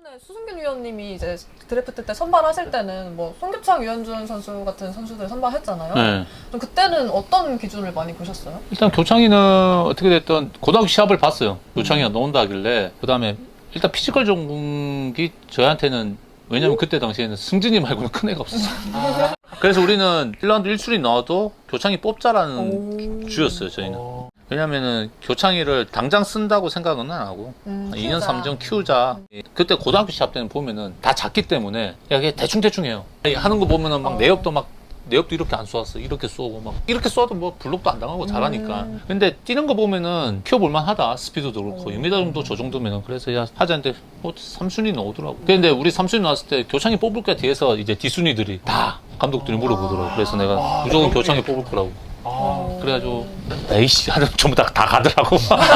이번에 수승균 위원님이 이제 드래프트 때 선발하실 때는 뭐 송교창, 유현준 선수 같은 선수들 선발했잖아요. 네. 그럼 그때는 어떤 기준을 많이 보셨어요? 일단 교창이는 어떻게 됐든 고등학교 시합을 봤어요. 교창이가 나온다 하길래. 그 다음에 일단 피지컬 전공이 저희한테는 왜냐면 그때 당시에는 승진이 말고는 큰 애가 없었어요. 그래서 우리는 1라운드 1순위 나와도 교창이 뽑자라는 주였어요, 저희는. 왜냐면은 교창이를 당장 쓴다고 생각은 안 하고 2년 3년 키우자. 그때 고등학교 시합 때는 보면은 다 작기 때문에 야, 그냥 대충 해요. 하는 거 보면은 막 내역도 이렇게 안 쏘았어. 이렇게 쏘고 막 이렇게 쏘아도 뭐 블록도 안 당하고 잘하니까. 근데 뛰는 거 보면은 키워볼만 하다. 스피드도 그렇고 2m 정도 저 정도면은. 그래서 야 하자는데 3순위 나오더라고. 근데 우리 3순위 나왔을 때 교창이 뽑을 게 뒤에서 이제 D순위들이 다 감독들이 물어보더라고. 그래서 내가 무조건 교창이 뽑을 거라고. 그래가지고 에이씨 하는 전부 다 가더라고.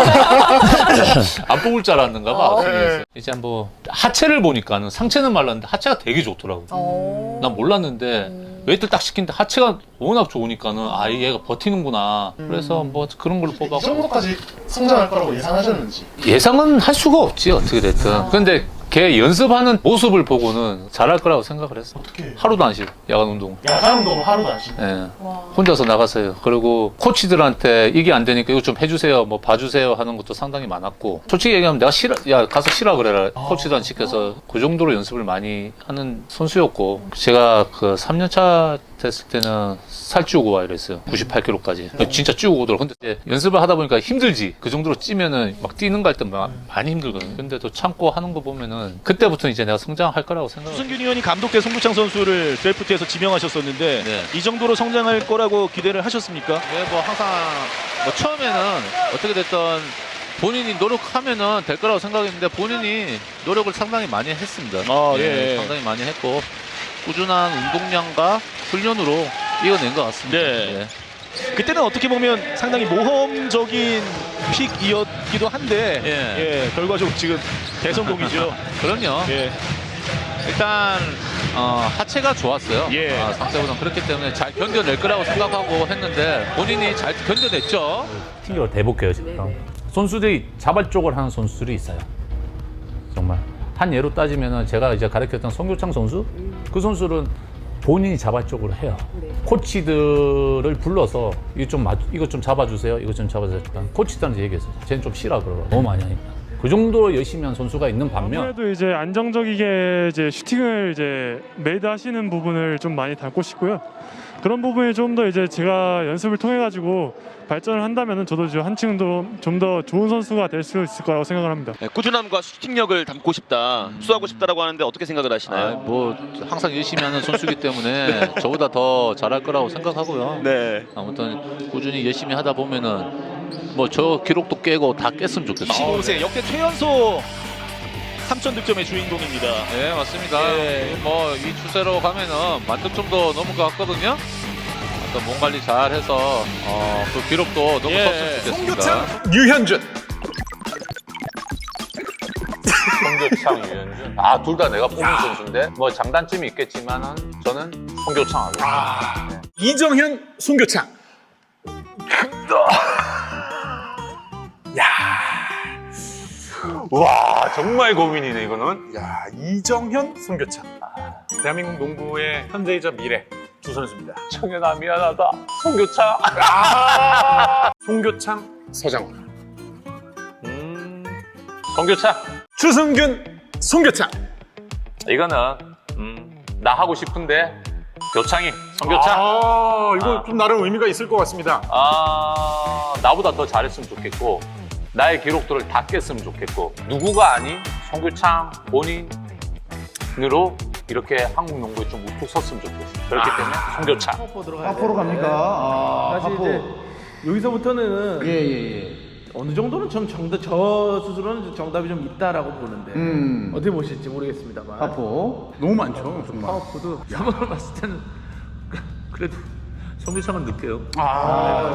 안 뽑을 줄 알았는가 봐. 이제 뭐 하체를 보니까는 상체는 말랐는데 하체가 되게 좋더라고. 난 몰랐는데 웨이트를 딱 시키는데 하체가 워낙 좋으니까는 아 얘가 버티는구나. 그래서 뭐 그런 걸로 뽑아서 이 정도까지 성장할 거라고 예상하셨는지? 예상은 할 수가 없지 어떻게 됐든. 근데 걔 연습하는 모습을 보고는 잘할 거라고 생각을 했어. 어떻게? 하루도 안 쉬고 야간 운동. 야간 운동 하루도 안 쉬고. 예. 혼자서 나갔어요. 그리고 코치들한테 이게 안 되니까 이거 좀 해주세요, 뭐 봐주세요 하는 것도 상당히 많았고. 솔직히 얘기하면 내가 야 가서 쉬라 그래라. 코치도 안 시켜서 그 정도로 연습을 많이 하는 선수였고. 제가 그 3년차 됐을 때는 살 찌우고 와 이랬어요. 98kg까지. 진짜 찌우고 오더라고. 근데 연습을 하다 보니까 힘들지. 그 정도로 찌면은 막 뛰는 거 할 때 많이 힘들거든. 근데 또 참고 하는 거 보면은 그때부터 이제 내가 성장할 거라고 생각을. 수승균 의원이 감독 때 송교창 선수를 드래프트에서 지명하셨었는데 네. 이 정도로 성장할 거라고 기대를 하셨습니까? 네, 뭐 항상 뭐 처음에는 어떻게 됐든 본인이 노력하면은 될 거라고 생각했는데 본인이 노력을 상당히 많이 했습니다. 예. 상당히 많이 했고 꾸준한 운동량과 훈련으로 이겨낸 것 같습니다. 네. 그때는 어떻게 보면 상당히 모험적인 픽이었기도 한데 예. 결과적으로 지금 대성공이죠. 그럼요. 예. 일단 하체가 좋았어요. 예. 상대보다 그렇기 때문에 잘 견뎌낼 거라고 생각하고 했는데 본인이 잘 견뎌냈죠. 튕겨로 대복해요 지금. 선수들이 자발적으로 하는 선수들이 있어요. 정말 한 예로 따지면은 제가 이제 가르쳤던 송교창 선수, 그 선수는 본인이 자발적으로 해요. 코치들을 불러서 이거 좀 잡아주세요. 이거 좀 잡아주세요. 코치들한테 얘기했어요. 쟤는 좀 쉬라 그러고 너무 많이 하니까. 그 정도로 열심히 한 선수가 있는 반면 아무래도 이제 안정적이게 이제 슈팅을 이제 메이드 하시는 부분을 좀 많이 닮고 싶고요. 그런 부분이 좀 더 이제 제가 연습을 통해 가지고 발전을 한다면은 저도 이제 한층 더 좀 더 좋은 선수가 될 수 있을 거라고 생각을 합니다. 꾸준함과 슈팅력을 담고 싶다, 흡수하고 싶다라고 하는데 어떻게 생각을 하시나요? 뭐 항상 열심히 하는 선수이기 때문에 저보다 더 잘할 거라고 생각하고요. 네. 아무튼 꾸준히 열심히 하다 보면은 뭐 저 기록도 깨고 다 깼으면 좋겠어요. 15세 역대 최연소 3천 득점의 주인공입니다. 네, 맞습니다. 예. 뭐 이 추세로 가면은 1000득점도 넘을 것 같거든요. 몸 관리 잘 해서 그 기록도 너무 섰으면 좋겠습니다. 유현준. 송교창, 유현준. 둘 다 내가 뽑은 선수인데 뭐 장단점이 있겠지만은 저는 송교창 하겠습니다. 네. 이정현, 송교창. 와 정말 고민이네 이거는. 야, 이정현, 송교창. 대한민국 농구의 현재이자 미래 두 선수입니다. 청현아 미안하다. 송교창. 송교창, 서장훈. 송교창. 추승균, 송교창. 이거는 나 하고 싶은데 교창이 송교창. 이거 좀 나름 의미가 있을 것 같습니다. 나보다 더 잘했으면 좋겠고 나의 기록들을 다 깼으면 좋겠고 누구가 아닌 송교창 본인으로 이렇게 한국 농구에 좀 우뚝 섰으면 좋겠어요. 그렇기 때문에 송교창. 파포로 갑니까? 사실 이제 여기서부터는 어느 정도는 저 스스로는 정답이 좀 있다라고 보는데 어떻게 보실지 모르겠습니다만. 파포 너무 많죠 정말. 파포도 야만을 봤을 때는 그래도 송교창은 늦게요.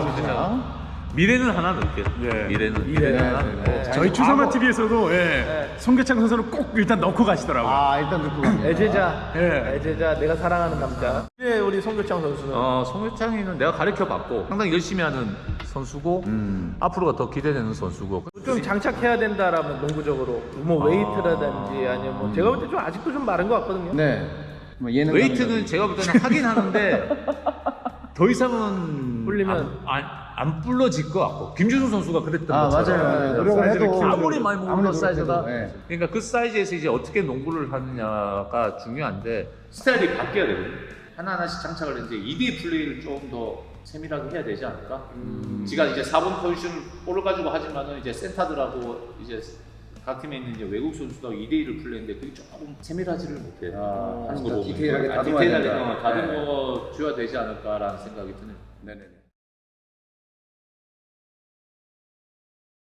미래는 하나 넣을게요. 미래는 하나 넣고. 저희 추사마 TV에서도 송교창 선수를 꼭 일단 넣고 가시더라고요. 아, 일단 넣고 갑니다. 애제자, 예. 애제자, 내가 사랑하는 남자. 네, 우리 송교창 선수는 송교창이는 내가 가르쳐봤고 상당히 열심히 하는 선수고 앞으로가 더 기대되는 선수고 좀 장착해야 된다라면 농구적으로 뭐 웨이트라든지 아니면 뭐 제가 볼 때 좀 아직도 좀 마른 것 같거든요. 네. 뭐 예능 웨이트는 제가 볼 때는 하긴 하는데 더 이상은 불리면 안 불러질 것 같고 김준수 선수가 그랬던 아, 것처럼 맞아요. 노력을 해도 아무리 많이 먹는 아무리 사이즈가 노력해도, 예. 그러니까 그 사이즈에서 이제 어떻게 농구를 하느냐가 중요한데 스타일이 바뀌어야 되거든요. 하나하나씩 장착을 이제 2대 플레이를 좀 더 세밀하게 해야 되지 않을까? 지가 이제 4번 포지션 볼을 가지고 하지만은 이제 센터들하고 이제 각 팀에 있는 이제 외국 선수들하고 2대1을 플레이인데 그게 조금 세밀하지를 못해요. 하는 거 보면 디테일하게 다듬어야 디테일하게 된다. 다듬어 줘야 되지 않을까라는 생각이 드네요. 네네네.